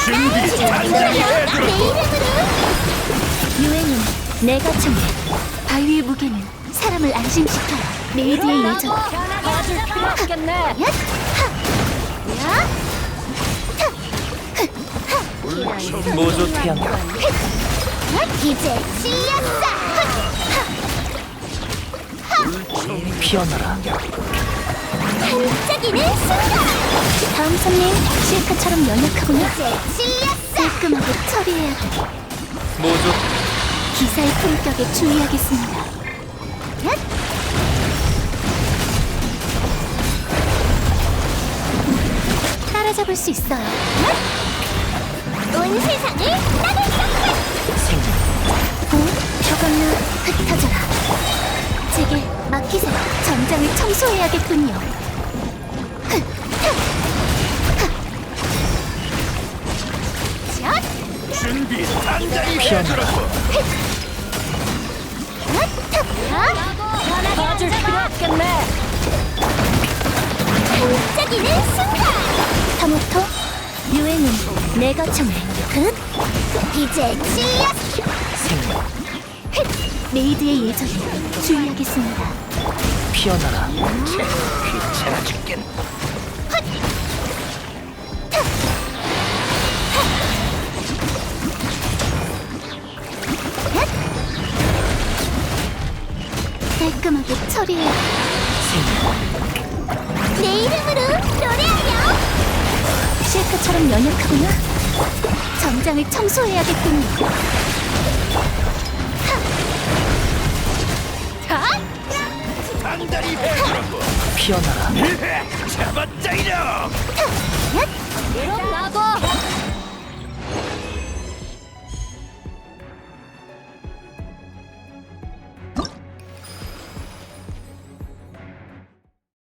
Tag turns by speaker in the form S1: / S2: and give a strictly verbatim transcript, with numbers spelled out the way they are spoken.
S1: 준비 단단히 해두라고.
S2: 내 이름으로. 유행은 내가 정해. 바위의 무게는 사람을 안심시켜요. 메이드의 예전.
S3: 도와줄 필요 없겠네.
S2: 얏! 하! 야!
S4: 모조 태양과
S2: 얏! 이제 찔렸어.
S4: 피어나라.
S2: 반짝이는 순간. 다음 손님 실크처럼 연약하군요. 이제 찔렸어. 깔끔하게 처리해야 돼.
S4: 모조
S2: 기사의 품격에 주의하겠습니다. 얏! 따라잡을 수 있어요. 얏! 온 세상을 따뜻하게.
S4: 생명.
S2: 오, 저걸로 흩어져라. 제게 맡기세요. 전장을 청소해야겠군요. 흐, 흐, 흐. 샷!
S1: 준비 단단히
S4: 피어나라.
S1: 해두라고.
S3: 도와줄 필요 없겠네.
S2: 반짝이는 순간. 타모토, 유행은 내가 정해. 흑! 이제 찔렸어.
S4: 생명.
S2: 흑! 메이드의 예정에 주의하겠습니다.
S4: 피어나라. 귀찮아 죽겠.
S2: 깔끔하게 처리해.
S4: 생명.
S2: 내 이름으로 노래하렴. 실크처럼 연약하구나. 전장을 청소해야겠군요. 하!
S1: 단단히 해두라고.
S4: 피어나라.
S1: 잡았다 이놈.
S3: 그럼 나도